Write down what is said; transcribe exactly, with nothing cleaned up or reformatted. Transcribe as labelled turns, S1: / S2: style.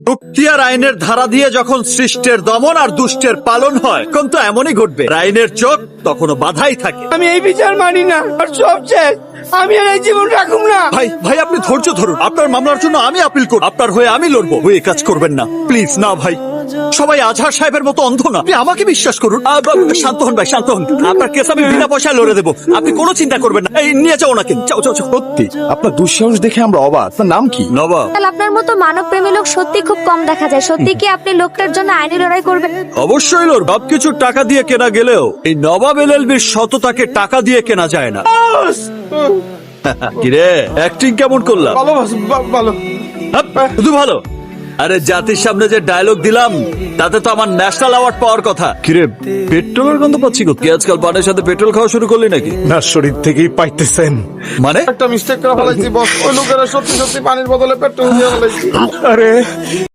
S1: দুক্তিয়ার আইনের ধারা দিয়ে যখন সৃষ্টের দমন আর দুষ্টের পালন হয় তখন তো এমনই ঘটবে। আইনের চোখ তখনও বাধাই থাকে।
S2: আমি এই বিচার মানি না, আর সব শেষ। আমি আর এই জীবন রাখুম না।
S1: ভাই ভাই আপনি ধৈর্য ধরুন, আপনার মামলার জন্য আমি আপিল করব, আপনার হয়ে আমি লড়বো। ওই কাজ করবেন না প্লিজ। না ভাই, সবাই আজহার সাহেবের মতো অন্ধ না, আপনি আমাকে বিশ্বাস করুন। আ, বা, শান্ত হন ভাই, শান্ত হন। আপনার কেস আমি বিনা পয়সায় লড়ে দেবো, আপনি কোনো চিন্তা করবেন না। এই নিয়ে যাও ওনাকে, যাও যাও যাও।
S3: সত্যি আপনার দুঃসাহস দেখে আমরা অবাক। আপনার নাম কি?
S1: নবাব।
S4: আপনার মতো মানব প্রেমী লোক সত্যি খুব কম দেখা যায়। সত্যি কি আপনি লোকটার জন্য আইনি লড়াই করবেন?
S1: অবশ্যই লড়ব। সব কিছু টাকা দিয়ে কেনা গেলেও এই নবাব এলএলবির সততাকে টাকা দিয়ে কেনা যায় না। কিরে, অ্যাক্টিং কেমন করলাম?
S2: ভালো বা- ভালো।
S1: হাপ, শুধু ভালো। আরে জাতির সামনে যে ডায়লগ দিলাম তাতে তো আমার ন্যাশনাল অ্যাওয়ার্ড পাওয়ার কথা। কিরে, পেট্রোলের গন্ধ পাচ্ছি কোথায়? কি আজকাল পানের সাথে পেট্রোল খাওয়া শুরু করলি নাকি?
S3: না, শরীর থেকেই পাইতেছেন।
S1: মানে
S2: একটা মিস্টেক করে ফেলাইছি বস। ওই লোকেরা সত্যি সত্যি পানির বদলে পেট্রোল দিয়ে ফেলাইছি।
S3: আরে